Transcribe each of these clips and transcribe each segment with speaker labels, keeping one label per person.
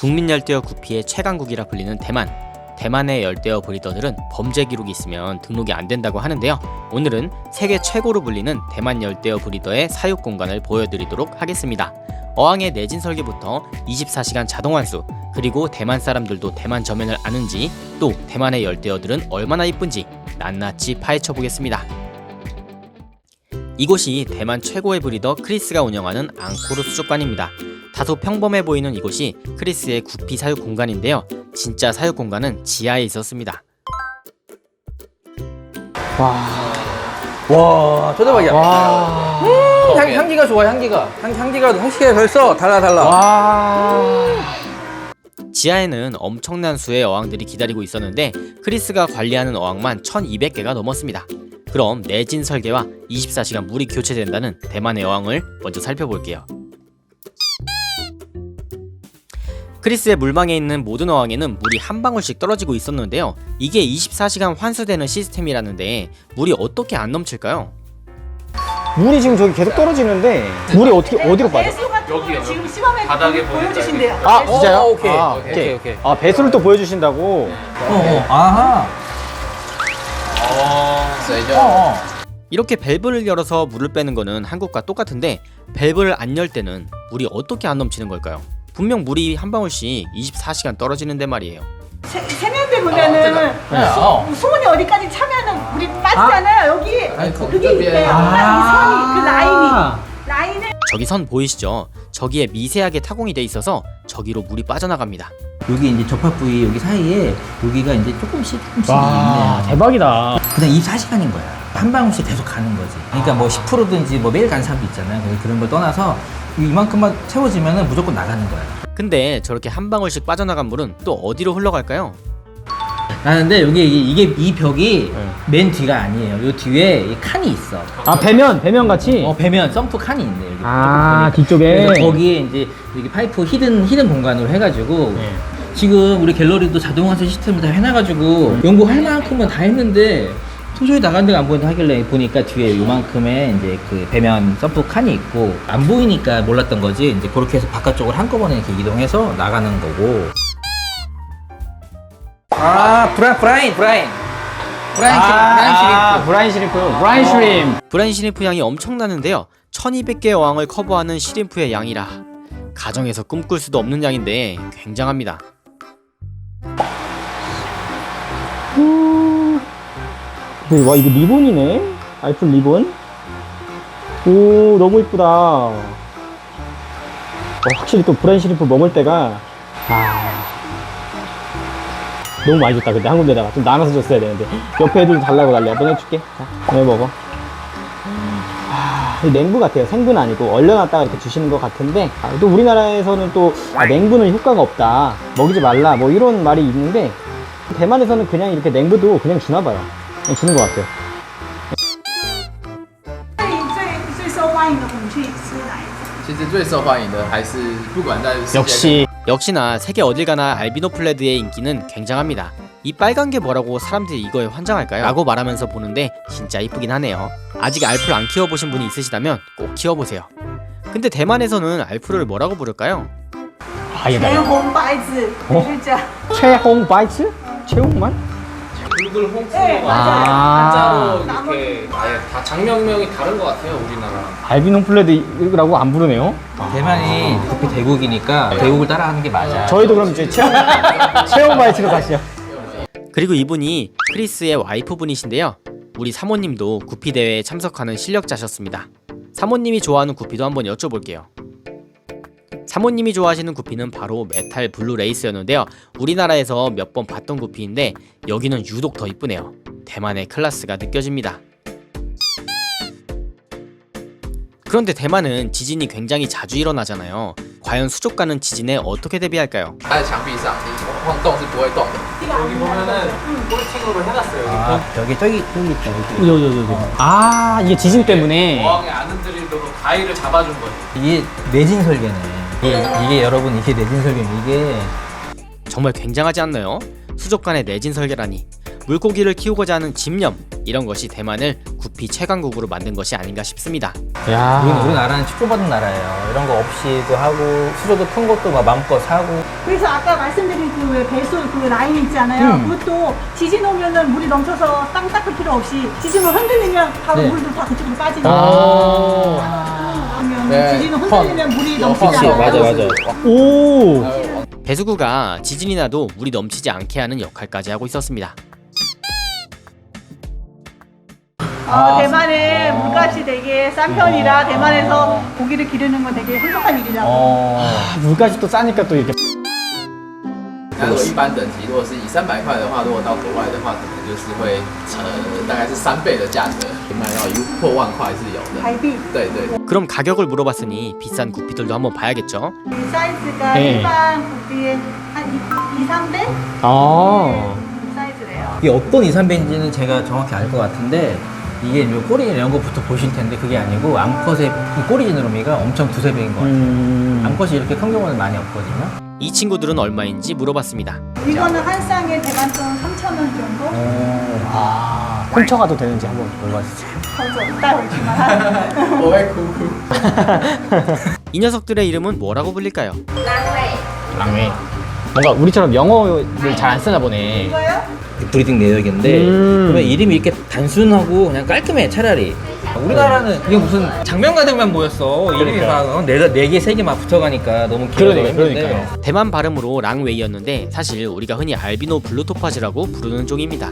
Speaker 1: 국민 열대어 구피의 최강국이라 불리는 대만. 대만의 열대어 브리더들은 범죄 기록이 있으면 등록이 안 된다고 하는데요. 오늘은 세계 최고로 불리는 대만 열대어 브리더의 사육 공간을 보여드리도록 하겠습니다. 어항의 내진 설계부터 24시간 자동 환수, 그리고 대만 사람들도 대만 저면을 아는지, 또 대만의 열대어들은 얼마나 이쁜지 낱낱이 파헤쳐 보겠습니다. 이곳이 대만 최고의 브리더 크리스가 운영하는 앙코르 수족관입니다. 다소 평범해 보이는 이곳이 크리스의 구피 사육 공간인데요. 진짜 사육 공간은 지하에 있었습니다.
Speaker 2: 와, 초대박이야.
Speaker 3: 와.
Speaker 2: 향기가 좋아, 향기가 벌써 달라.
Speaker 3: 와.
Speaker 1: 지하에는 엄청난 수의 어항들이 기다리고 있었는데 크리스가 관리하는 어항만 1200개가 넘었습니다. 그럼 내진 설계와 24시간 물이 교체된다는 대만의 어항을 먼저 살펴볼게요. 크리스의 물망에 있는 모든 어항에는 물이 한 방울씩 떨어지고 있었는데요. 이게 24시간 환수되는 시스템이라는데 물이 어떻게 안 넘칠까요?
Speaker 3: 물이 지금 저기 계속 떨어지는데 물이 어디로 빠져?
Speaker 4: 배수가
Speaker 5: 여기요.
Speaker 4: 지금 시범에
Speaker 5: 바닥에
Speaker 4: 보여주신대요.
Speaker 3: 아 진짜요?
Speaker 2: 오케이.
Speaker 3: 아,
Speaker 2: 오케이.
Speaker 3: 아 배수를 또 보여주신다고.
Speaker 2: 아하.
Speaker 1: 이렇게 밸브를 열어서 물을 빼는 거는 한국과 똑같은데 밸브를 안 열 때는 물이 어떻게 안 넘치는 걸까요? 분명 물이 한 방울씩 24시간 떨어지는데 말이에요.
Speaker 4: 세면대 보면은 수문이 어디까지 차면은 물이 빠지잖아요. 여기 그게 있대요. 이 선이 그 라인을
Speaker 1: 저기 선 보이시죠? 저기에 미세하게 타공이 돼 있어서 저기로 물이 빠져나갑니다.
Speaker 2: 여기 이제 접합 부위 여기 사이에 여기가 이제 조금씩
Speaker 3: 와
Speaker 2: 있네요.
Speaker 3: 대박이다.
Speaker 2: 그냥 24시간인 거야. 한 방울씩 계속 가는 거지. 그러니까 뭐 10%든지 뭐 매일 가는 사람도 있잖아요. 그런 걸 떠나서 이만큼만 채워지면은 무조건 나가는 거야.
Speaker 1: 근데 저렇게 한 방울씩 빠져나간 물은 또 어디로 흘러갈까요?
Speaker 2: 나는데 여기 이 벽이 맨 뒤가 아니에요. 요 뒤에 이 칸이 있어.
Speaker 3: 아 배면 같이.
Speaker 2: 배면 펌프 칸이 있네 여기.
Speaker 3: 아
Speaker 2: 조금
Speaker 3: 뒤쪽에.
Speaker 2: 그래서 거기에 이제 여기 파이프 히든 공간으로 해가지고
Speaker 3: 네.
Speaker 2: 지금 우리 갤러리도 자동화세 시스템을 다 해놔가지고 연구할 만큼은 다 했는데 도저히 나간 데가 안 보인다 하길래 보니까 뒤에 요만큼의 이제 그 배면 펌프 칸이 있고 안 보이니까 몰랐던 거지. 이제 그렇게 해서 바깥쪽으로 한꺼번에 이렇게 이동해서 나가는 거고. 브라인 시리프.
Speaker 3: 브라인 슈림.
Speaker 1: 브라인 시림프 양이 엄청나는데요. 1200개의 어항을 커버하는 시림프의 양이라 가정에서 꿈꿀 수도 없는 양인데 굉장합니다.
Speaker 3: 와 이거 리본이네. 알프 리본. 오 너무 이쁘다. 확실히 또 브라인 시리프 먹을 때가 너무 많이 줬다. 근데 한 군데다가 좀 나눠서 줬어야 되는데 옆에 애들도 달라고 난리야. 너네 줄게. 자, 너네 먹어. 냉부 같아요. 생분 아니고 얼려놨다가 이렇게 주시는 것 같은데 또 우리나라에서는 또 냉부는 효과가 없다, 먹이지 말라 뭐 이런 말이 있는데 대만에서는 그냥 이렇게 냉부도 그냥 주나봐요. 그냥 주는 것 같아요.
Speaker 4: 最受欢迎的我们去吃哪一种？
Speaker 5: 其实最受欢迎的还是不管在世界
Speaker 3: 역시
Speaker 1: 역시나 세계 어딜 가나 알비노 플레드의 인기는 굉장합니다. 이 빨간 게 뭐라고 사람들이 이거에 환장할까요? 라고 말하면서 보는데 진짜 이쁘긴 하네요. 아직 알프를 안 키워보신 분이 있으시다면 꼭 키워보세요. 근데 대만에서는 알프를 뭐라고 부를까요?
Speaker 4: 红白子，就这样。
Speaker 3: 최홍 바이츠? 최홍만?
Speaker 5: 붉은 홍수
Speaker 4: 네, 맞아요.
Speaker 5: 한자로
Speaker 4: 나머지.
Speaker 5: 이렇게 아예 다 장명명이 다른 것 같아요 우리나라.
Speaker 3: 알비노 플레드라고 안 부르네요.
Speaker 2: 대만이 구피 대국이니까 대국을 따라가는 게 맞아.
Speaker 3: 저희도 그럼 이제 최홍 바이츠로 가시죠.
Speaker 1: 그리고 이분이 크리스의 와이프분이신데요. 우리 사모님도 구피 대회에 참석하는 실력자셨습니다. 사모님이 좋아하는 구피도 한번 여쭤볼게요. 사모님이 좋아하시는 구피는 바로 메탈 블루 레이스였는데요. 우리나라에서 몇 번 봤던 구피인데 여기는 유독 더 이쁘네요. 대만의 클래스가 느껴집니다. 그런데 대만은 지진이 굉장히 자주 일어나잖아요. 과연 수족관은 지진에 어떻게 대비할까요?
Speaker 5: 它的墙壁上你晃动是不会动的。 여기 보면은 꼴팅으로 해놨어요.
Speaker 2: 벽에 저기 있다. 여기.
Speaker 3: 아 이게 지진 때문에.
Speaker 5: 어항에 안 흔들리도록 가위를 잡아준 거예요.
Speaker 2: 이게 내진 설계네. 이게 여러분 이게 내진 설계네. 이게
Speaker 1: 정말 굉장하지 않나요? 수족관의 내진 설계라니. 물고기를 키우고자 하는 집념, 이런 것이 대만을 구피 최강국으로 만든 것이 아닌가 싶습니다.
Speaker 3: 야.
Speaker 2: 우리나라는 축복받은 나라예요. 이런 거 없이도 하고 수조도 큰 것도 막 마음껏 사고.
Speaker 4: 그래서 아까 말씀드린 그 왜 배수 그 라인 있잖아요. 그것도 지진 오면은 물이 넘쳐서 땅 닦을 필요 없이 지진을 흔들리면 바로
Speaker 2: 네.
Speaker 4: 물도 다 그쪽으로 빠지니까. 그러면
Speaker 5: 네.
Speaker 4: 지진을 흔들리면 물이 넘치지
Speaker 2: 그치,
Speaker 4: 않아요.
Speaker 2: 맞아.
Speaker 3: 오.
Speaker 1: 배수구가 지진이 나도 물이 넘치지 않게 하는 역할까지 하고 있었습니다.
Speaker 4: 대만의 물값이 되게 싼 편이라 대만에서 고기를 기르는 건 되게 행복한 일이라고.
Speaker 3: 물까지 또 싸니까 또 이렇게.
Speaker 5: 那如果一般等级，如果是以300块的话，如果到国外的话，可能就是会大概是3倍的价格，卖到破万块是有的。
Speaker 4: 갈비.
Speaker 5: 对对。
Speaker 1: 그럼 가격을 물어봤으니 비싼 구피들도 한번 봐야겠죠.
Speaker 4: 이 사이즈가
Speaker 3: 네.
Speaker 4: 일반 고기의 한 2, 3배?
Speaker 3: 아.
Speaker 4: 사이즈래요.
Speaker 2: 이게 어떤 2, 3배인지는 제가 정확히 알 것 같은데 이게 이제 꼬리 이런 거부터 보실 텐데 그게 아니고 암컷의 이 꼬리 지느러미가 엄청 두세 배인 것 같아요. 암컷이 이렇게 큰 경우는 많이 없거든요.
Speaker 1: 이 친구들은 얼마인지 물어봤습니다.
Speaker 4: 이거는 한 쌍에 대만돈 3,000원 정도?
Speaker 3: 훔쳐가도 되는지 한번 물어봐주세요.
Speaker 4: 거저 이따 오지만
Speaker 5: 我会哭哭。
Speaker 1: 이 녀석들의 이름은 뭐라고 불릴까요?
Speaker 3: 랑웨. 뭔가 우리처럼 영어를 잘 안 쓰나 보네.
Speaker 4: 이거요?
Speaker 2: 브리딩 내역인데 그러면 이름이 이렇게 단순하고 그냥 깔끔해 차라리. 우리나라는 이게 무슨 장면가들만 모였어. 이름이 막 네 개, 세 개 막 붙어가니까 너무 길어서 힘든데.
Speaker 3: 그러니까요.
Speaker 1: 대만 발음으로 랑웨이였는데 사실 우리가 흔히 알비노 블루토파즈라고 부르는 종입니다.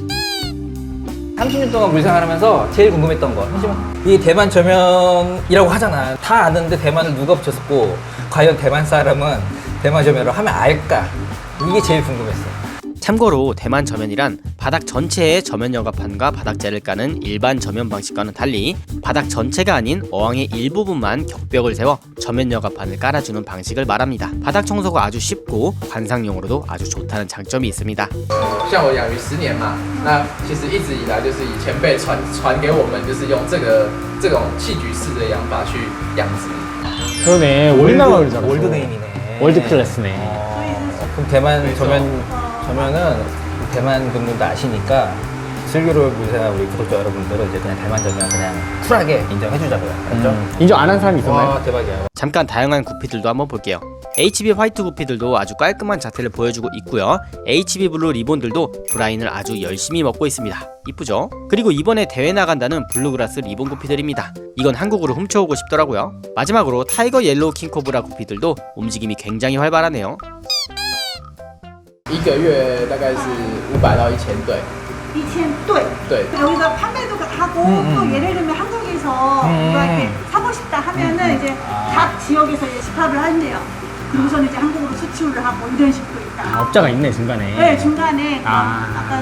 Speaker 2: 30년 동안 물생활하면서 제일 궁금했던 거 잠시만. 이 대만 저면이라고 하잖아. 다 아는데 대만을 누가 붙였고 과연 대만 사람은 대만 저면을 하면 알까? 이게 제일 궁금했어.
Speaker 1: 참고로 대만 저면이란 바닥 전체에 저면 여과판과 바닥재를 까는 일반 저면 방식과는 달리 바닥 전체가 아닌 어항의 일부분만 격벽을 세워 저면 여과판을 깔아주는 방식을 말합니다. 바닥 청소가 아주 쉽고 관상용으로도 아주 좋다는 장점이 있습니다.
Speaker 5: 像我养鱼10年嘛，那其实一直以来就是以前辈传给我们，就是用这种器具式的养法去养殖。
Speaker 3: 그러네. 우리나라 그러잖아.
Speaker 2: 월드네임이네.
Speaker 3: 월드 클래스네.
Speaker 2: 그럼 대만 저면은 대만 분들도 아시니까 슬기로운 물생활 우리 구독자 여러분들은 이제 그냥 대만 저면 그냥 쿨하게 인정해주자고요. 알죠?
Speaker 3: 인정 안 한 사람이 있었나요?
Speaker 2: 와 대박이야.
Speaker 1: 잠깐 다양한 구피들도 한번 볼게요. HB 화이트 구피들도 아주 깔끔한 자태를 보여주고 있고요. HB 블루 리본들도 브라인을 아주 열심히 먹고 있습니다. 이쁘죠? 그리고 이번에 대회 나간다는 블루그라스 리본 구피들입니다. 이건 한국으로 훔쳐오고 싶더라고요. 마지막으로 타이거 옐로우 킹코브라 구피들도 움직임이 굉장히 활발하네요.
Speaker 5: 一个月大概是500到1000对。
Speaker 4: 2,000대.
Speaker 5: 네.
Speaker 4: 여기서 판매도 하고 또 예를 들면 한국에서 누가 이렇게 사고 싶다 하면은 이제 각 지역에서 이제 집합을 한대요. 그리고서는 이제 한국으로 수출을 하고 이런 식으로 있다.
Speaker 3: 업자가 있네 중간에.
Speaker 4: 네, 중간에
Speaker 3: 아.
Speaker 4: 아까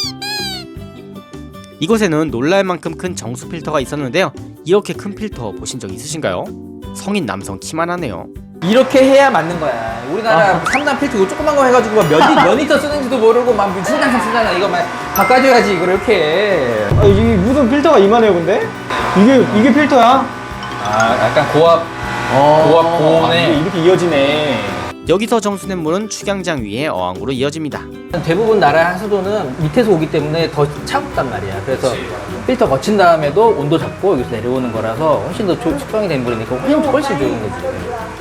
Speaker 1: 이곳에는 놀랄만큼 큰 정수 필터가 있었는데요. 이렇게 큰 필터 보신 적 있으신가요? 성인 남성 키만 하네요.
Speaker 2: 이렇게 해야 맞는 거야. 우리나라 3단 필터 이거 조그만 거 해가지고 몇 리터 쓰는지도 모르고 막 순간상 쓰잖아. 이거 막 바꿔줘야지 이걸 이렇게.
Speaker 3: 아, 이게 무슨 필터가 이만해요 근데? 이게 필터야?
Speaker 2: 아 약간 고압 고온에
Speaker 3: 이렇게 이어지네.
Speaker 1: 여기서 정수된 물은 축양장 위에 어항으로 이어집니다.
Speaker 2: 대부분 나라 하수도는 밑에서 오기 때문에 더 차갑단 말이야. 그래서 필터 거친 다음에도 온도 잡고 여기서 내려오는 거라서 훨씬 더 숙성이 된 물이니까 훨씬 좋은 거지.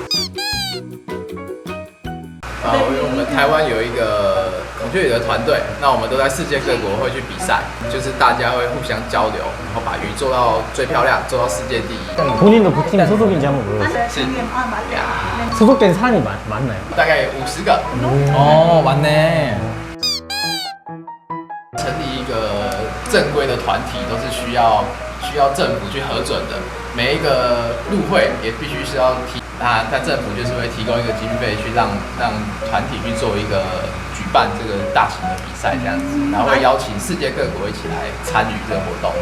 Speaker 5: 我们台湾有一个孔雀鱼的团队，那我们都在世界各国会去比赛，就是大家会互相交流，然后把鱼做到最漂亮，做到世界第一。
Speaker 3: 본인도 그 팀에 소속인지 한번 물어보세요.
Speaker 4: 맞아요.
Speaker 3: 소속된 사람이 많나요?
Speaker 5: 大概50个。
Speaker 2: 어 맞네.
Speaker 5: 成立一个正规的团体都是需要政府去核准的，每一个入会也必须是要那政府就是会提供一个经费去让团体去做一个举办这个大型的比赛这样子，然后会邀请世界各国一起来参与这个活动。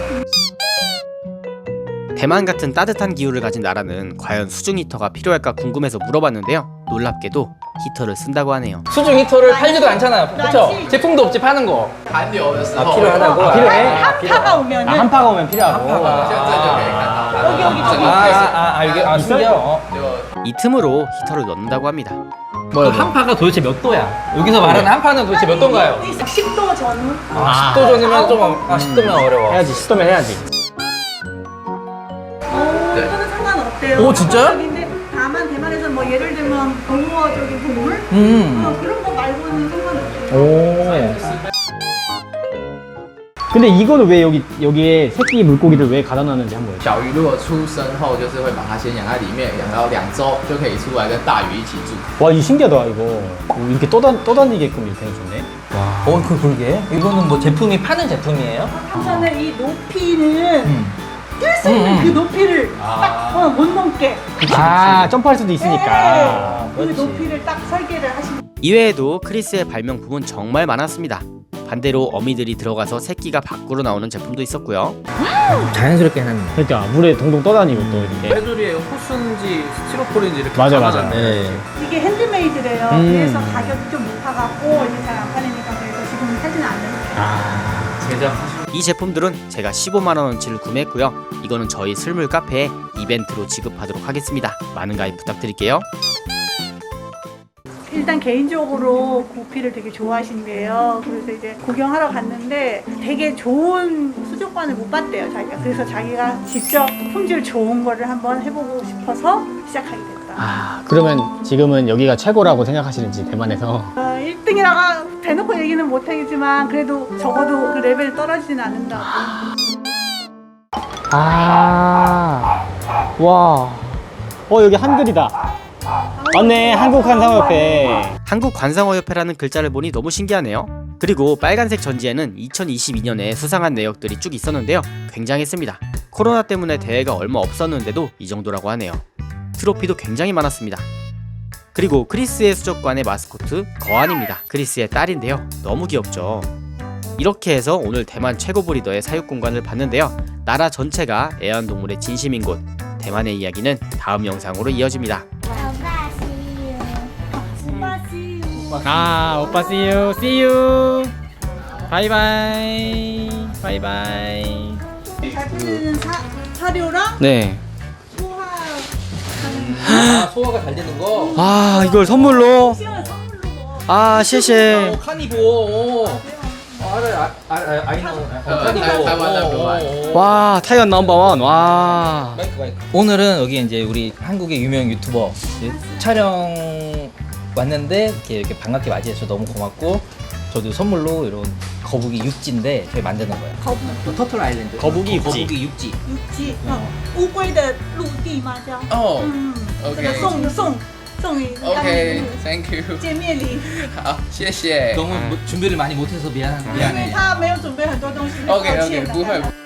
Speaker 1: 대만 같은 따뜻한 기후를 가진 나라는 과연 수중 히터가 필요할까 궁금해서 물어봤는데요. 놀랍게도 히터를 쓴다고 하네요.
Speaker 2: 수중 히터를 팔지도 않잖아. 그렇죠? 제품도 없지 파는 거.
Speaker 5: 寒流的时候
Speaker 2: 필요하다고.
Speaker 3: 필요해?
Speaker 4: 한파가 오면은
Speaker 3: 한파가 오면 필요하고.
Speaker 5: 现在就可以看到它的
Speaker 4: 여기
Speaker 5: 整个
Speaker 2: 이게 신기해요.
Speaker 5: 就
Speaker 1: 이 틈으로 히터를 넣는다고 합니다.
Speaker 2: 그 한파가 도대체 몇 도야? 여기서 말하는 한파는 도대체 몇 도인가요?
Speaker 4: 10도 전후.
Speaker 2: 10도 전이면 좀 10도면 어려워.
Speaker 3: 해야지 10도면 해야지.
Speaker 4: 이거는 상관없대요.
Speaker 2: 오, 진짜요?
Speaker 4: 근데 다만 대만에서 뭐 예를 들면 동물적인 동물 그런 거 말고는 상관없대요.
Speaker 3: 오. 근데 이거는 왜 여기에 새끼 물고기를 왜 가다 놨는지 한번.
Speaker 5: 小鱼如果出生后，就是会把它先养在里面，养到2周就可以出来跟大鱼一起住。
Speaker 3: 와, 이거 신기하다, 이거. 오, 이렇게 떠다니게끔 이렇게 해줬네. 와.
Speaker 2: 그러게. 이거는 뭐 제품이 파는 제품이에요?
Speaker 4: 우선은 이 높이는 뛸 수 있는 그 높이를 딱 못 넘게.
Speaker 3: 아, 점프할 수도 있으니까.
Speaker 4: 그 높이를 딱 설계를 하신.
Speaker 1: 이외에도 크리스의 발명품은 정말 많았습니다. 반대로 어미들이 들어가서 새끼가 밖으로 나오는 제품도 있었고요.
Speaker 2: 자연스럽게 해놨네.
Speaker 3: 그러니까 물에 동동 떠다니고 또 이렇게.
Speaker 6: 테두리에 호수인지 스티로폴인지 이렇게
Speaker 3: 맞아.
Speaker 6: 감아놨네.
Speaker 4: 이게 핸드메이드래요. 그래서 가격이 좀 높아갖고 이제 잘 안 팔리니까 그래서 지금은 사지는 않는.
Speaker 6: 제작하신
Speaker 1: 이 제품들은 제가 15만 원어치를 구매했고요. 이거는 저희 슬물 카페에 이벤트로 지급하도록 하겠습니다. 많은 가입 부탁드릴게요.
Speaker 4: 일단 개인적으로 구피를 되게 좋아하신대요. 그래서 이제 구경하러 갔는데 되게 좋은 수족관을 못 봤대요, 자기가. 그래서 자기가 직접 품질 좋은 거를 한번 해보고 싶어서 시작하게 됐다.
Speaker 3: 아, 그러면 지금은 여기가 최고라고 생각하시는지, 대만에서.
Speaker 4: 1등이라고 대놓고 얘기는 못하겠지만 그래도 적어도 그 레벨이 떨어지진 않는다고.
Speaker 3: 아, 와. 여기 한글이다. 맞네, 한국관상협회.
Speaker 1: 한국관상어협회라는 글자를 보니 너무 신기하네요. 그리고 빨간색 전지에는 2022년에 수상한 내역들이 쭉 있었는데요. 굉장했습니다. 코로나 때문에 대회가 얼마 없었는데도 이 정도라고 하네요. 트로피도 굉장히 많았습니다. 그리고 크리스의 수족관의 마스코트 거안입니다. 크리스의 딸인데요. 너무 귀엽죠. 이렇게 해서 오늘 대만 최고 브리더의 사육공간을 봤는데요. 나라 전체가 애완동물의 진심인 곳 대만의 이야기는 다음 영상으로 이어집니다.
Speaker 3: 아, 오빠 see you, see you. 바이바이. 바이바이.
Speaker 4: 잘 팔리는 사료랑
Speaker 1: 네.
Speaker 2: 아, 소화가 잘 되는 거?
Speaker 1: 아, 이걸 선물로.
Speaker 4: 시원한 선물로 뭐.
Speaker 1: 아,谢谢.
Speaker 2: 카니보. 아이노. 카니보.
Speaker 1: 와, 타이완 넘버원. 와.
Speaker 2: 오늘은 여기 이제 우리 한국의 유명 유튜버 촬영 왔는데 이렇게 반갑게 맞이해서 너무 고맙고, 저도 선물로 이런 거북이 육지인데 저희 만드는 거예요. 터틀 아일랜드.
Speaker 1: 거북이 육지.
Speaker 2: 거북이 육지.
Speaker 4: 육지，乌龟的陆地吗？叫
Speaker 5: 哦
Speaker 4: 这个
Speaker 5: OK
Speaker 4: 送你
Speaker 5: OK，Thank you，
Speaker 4: 见面礼，
Speaker 5: 好，谢谢。
Speaker 2: 너무 준비를 많이 못해서
Speaker 4: 因为
Speaker 2: 미안해.
Speaker 4: 他没有准备很多东西，抱
Speaker 5: OK
Speaker 4: 歉
Speaker 5: OK，不会。